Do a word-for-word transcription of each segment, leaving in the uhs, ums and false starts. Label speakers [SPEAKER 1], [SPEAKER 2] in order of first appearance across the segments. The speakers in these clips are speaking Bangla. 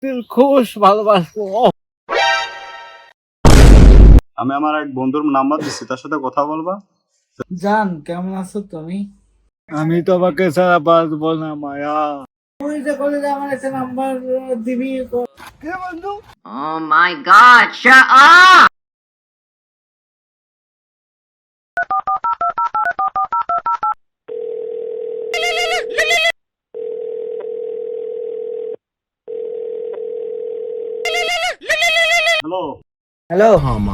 [SPEAKER 1] দিলখুশ ভালোবাসবো।
[SPEAKER 2] আমি আমার এক বন্ধুর নাম্বার দিচ্ছি, তার সাথে কথা বলবা।
[SPEAKER 1] জান কেমন আছো তুমি? আমি তোমাকে ছাড়া বাঁচবো না মায়া। তুই যে করে যে আমার একটা নাম্বার দিবি কে বন্ধু?
[SPEAKER 3] Oh my god, shut up!
[SPEAKER 2] Hello.
[SPEAKER 1] Hello,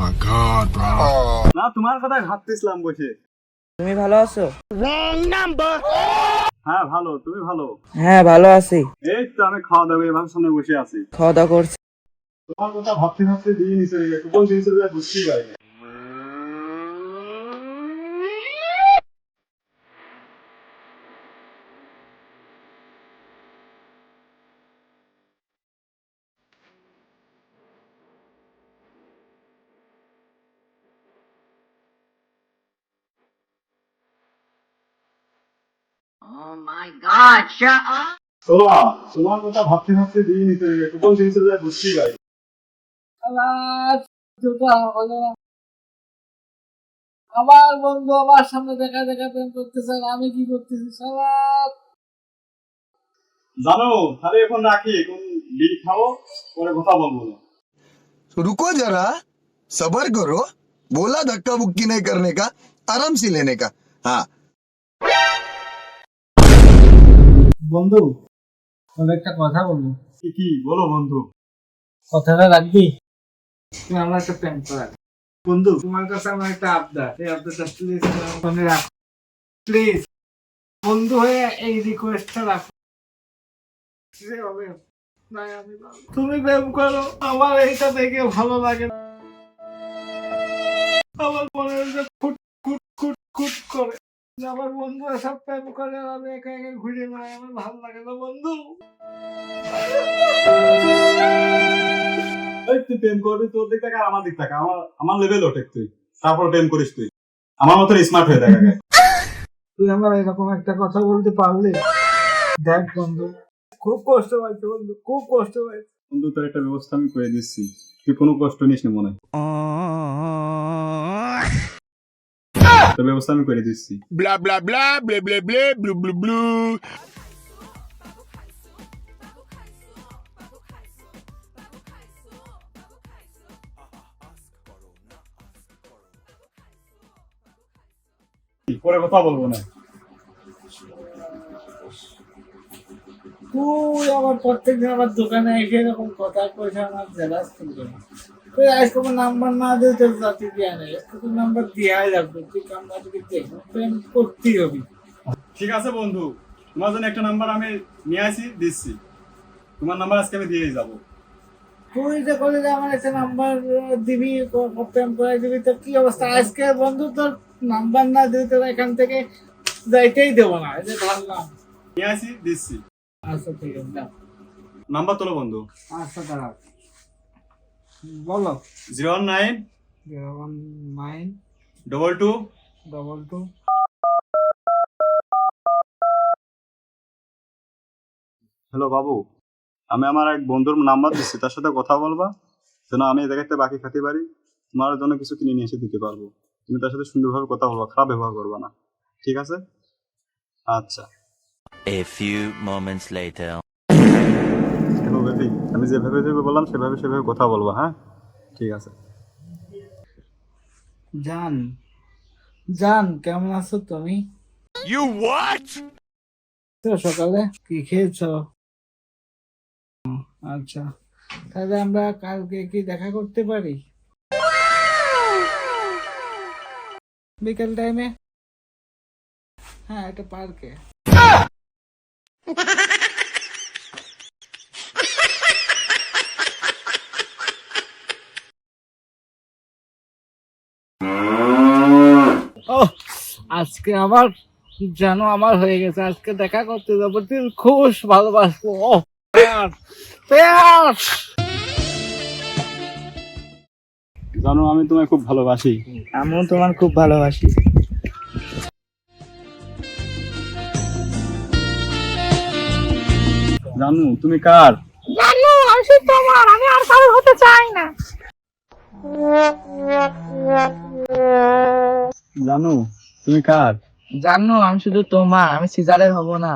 [SPEAKER 2] না, তোমার কথাই ভাবতেছিলাম বসে।
[SPEAKER 1] তুমি ভালো আছো?
[SPEAKER 2] হ্যাঁ ভালো, তুমি ভালো?
[SPEAKER 1] হ্যাঁ ভালো আছি।
[SPEAKER 2] এই তো আমি খাওয়া দাওয়া এভাবে সামনে বসে আছি।
[SPEAKER 1] খাওয়া দাওয়া করছি।
[SPEAKER 2] তোমার কথা ভাবতে ভাবতে দিয়ে নিচে গেছে, কোন জিনিসের কথা বুঝতেই পারিনি।
[SPEAKER 3] Oh my god, shut up!
[SPEAKER 2] তোমার তোমার কথা ভাবতে ভাবতে দিয়ে নিচে গেছে, কোন জিনিসের কথা বুঝতেই পারিনি।
[SPEAKER 1] আমার বন্ধু আমার সামনে দেখা দেখা প্রেম করতেছে, আর আমি কি করতেছি সারা।
[SPEAKER 2] জানো, তাহলে এখন রাখি, এখন বিল খাও, পরে কথা বলবো না।
[SPEAKER 4] रुको जरा सबर करो बोला धक्का बुक्की नहीं करने का आराम से लेने का हाँ
[SPEAKER 1] বন্ধু তোর একটা কথা বলবো।
[SPEAKER 2] কি কি বলো বন্ধু।
[SPEAKER 1] কথাটা রাখবি? তুমি আমার একটা প্রেম করা বন্ধু, তোমার কাছে আমার একটা আবদার, এই আবদারটা প্লিজ ফোনে রাখো, প্লিজ বন্ধু হয়ে এই রিকোয়েস্টটা রাখো। যেভাবে নাই আমি পারবো। তুমি প্রেম করো, আমার এইটা দেখে ভালো লাগে না। আমার মনে হচ্ছে ফুট ফুট ফুট ফুট করে যে আমার বন্ধু সব প্রেম করে আর আমি একা একা ঘুরে বেড়াই, আমার ভালো লাগে না বন্ধু।
[SPEAKER 2] এই তুই প্রেম করবি তোর দিক থেকে আর আমার দিক থেকে, আমার আমার লেভেল ওঠে তুই, তারপর প্রেম করিস তুই। আমার মতো স্মার্ট হয়ে দেখা যায়।
[SPEAKER 1] তুই আমার এরকম একটা কথা বলতে পারলি? দেখ বন্ধু, খুব কষ্ট পাইছে বন্ধু, খুব কষ্ট পাইছে।
[SPEAKER 2] বন্ধু তোর একটা ব্যবস্থা আমি করে দিচ্ছি, তুই কোনো কষ্ট নিস না মনে হয়। তোর ব্যবস্থা আমি করে দিচ্ছি।
[SPEAKER 4] blah blah blah blah blah blah blue blue blue
[SPEAKER 2] পরে কথা বলবো না।
[SPEAKER 1] তুই আমার প্রত্যেকদিন আমার দোকানে এসে এরকম কথা কইছে, আমার জেলাস তুলবে না। তুই আজকে আমার নাম্বার না দিয়ে তোর জাতি দিয়ে নেই, তোর নাম্বার দিয়াই রাখবো। তুই কামনা থেকে দেখো, প্রেম করতেই হবে।
[SPEAKER 2] ঠিক আছে বন্ধু, তোমার জন্য একটা নাম্বার আমি নিয়ে আসি, দিচ্ছি। তোমার নাম্বার আজকে আমি দিয়েই যাবো।
[SPEAKER 1] তুই যে করে যে আমার একটা নাম্বার দিবি, ক- প্রেম করে দিবি, তো কি অবস্থা আজকে বন্ধু? তোর নাম্বার না দিয়ে তোর এখান থেকে যাইতেই দেবো না, এই যে ধরলাম।
[SPEAKER 2] নিয়ে আসি, দিচ্ছি।
[SPEAKER 1] আচ্ছা ঠিক আছে, দাও।
[SPEAKER 2] নাম্বার তোলো বন্ধু।
[SPEAKER 1] আচ্ছা দাঁড়াও, বলো।
[SPEAKER 2] Zero one nine
[SPEAKER 1] zero one nine
[SPEAKER 2] double two
[SPEAKER 1] double two
[SPEAKER 2] hello বাবু, আমি আমার এক বন্ধুর নাম্বার দিচ্ছি, তার সাথে কথা বলবা, যেন আমি এই জায়গাতে বাকি খেতে পারি, তোমার জন্য কিছু কিনে নিয়ে এসে দিতে পারবো। তুমি তার সাথে সুন্দরভাবে কথা বলবা, খারাপ ব্যবহার করবা না, ঠিক আছে? আচ্ছা।
[SPEAKER 5] A few moments later.
[SPEAKER 2] Hello baby, আমি যেভাবে যেভাবে বললাম সেভাবে সেভাবে কথা বলবা, হ্যাঁ? ঠিক আছে।
[SPEAKER 1] জান, জান কেমন আছো তুমি?
[SPEAKER 4] you what
[SPEAKER 1] তো সকালে কি খেয়েছো? আচ্ছা, তাহলে আমরা কালকে কি দেখা করতে পারি বিকেল টাইমে? হ্যাঁ, একটা পার্কে। ও আজকে আমার জানো আমার হয়ে গেছে, আজকে দেখা করতে যাবো, দিলখুশ ভালোবাসবো। ও প্যার প্যার।
[SPEAKER 2] জানো আমি তোমায় খুব ভালোবাসি।
[SPEAKER 1] আমিও তোমার খুব ভালোবাসি।
[SPEAKER 2] জানো তুমি কার?
[SPEAKER 1] জানো আমি খুশি তোমার, আমি আর কারো হতে চাই না।
[SPEAKER 2] জানো তুমি কার?
[SPEAKER 6] জানো আমি শুধু তোমার, আমি সিজারের হব না।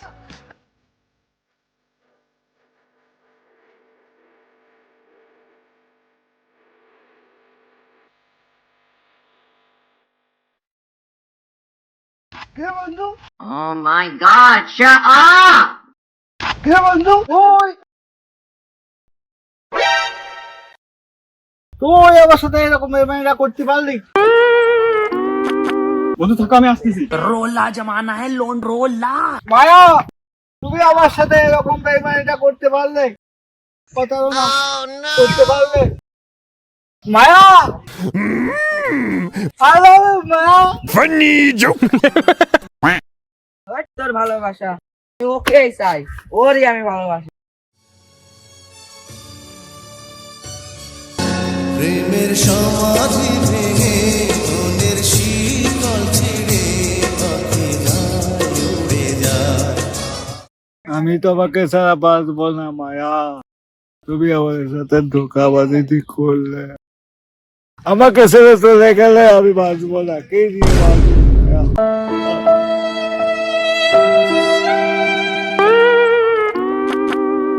[SPEAKER 1] কে বন্ধু?
[SPEAKER 3] Oh my god, shut up!
[SPEAKER 1] কে বন্ধু? ওই তুই আমার সাথে এরকম বেমানিরা করতে পারলি?
[SPEAKER 2] বন্ধু থাকো, আমি আসতেছি।
[SPEAKER 1] মায়া, তুমি আমার সাথে এরকম বেমানিটা করতে পারলে? প্রতারণা করতে পারলে? মায়া, হ্যালো মায়া।
[SPEAKER 6] ওই তোর ভালোবাসা, আমি ওকেই চাই, ওরই আমি ভালোবাসি।
[SPEAKER 7] প্রেমের সমাধি ভেঙে মনের শীতল ছিঁড়ে পাখি যায় উড়ে যায়।
[SPEAKER 1] আমি তোমাকে ছাড়া বাঁচবো না মায়া, তুমি আমার সাথে ধোকাবাজি করলে। আমাকে ছেড়ে চলে গেলে আমি বাঁচবো না, কে নিয়ে বাঁচবো মায়া?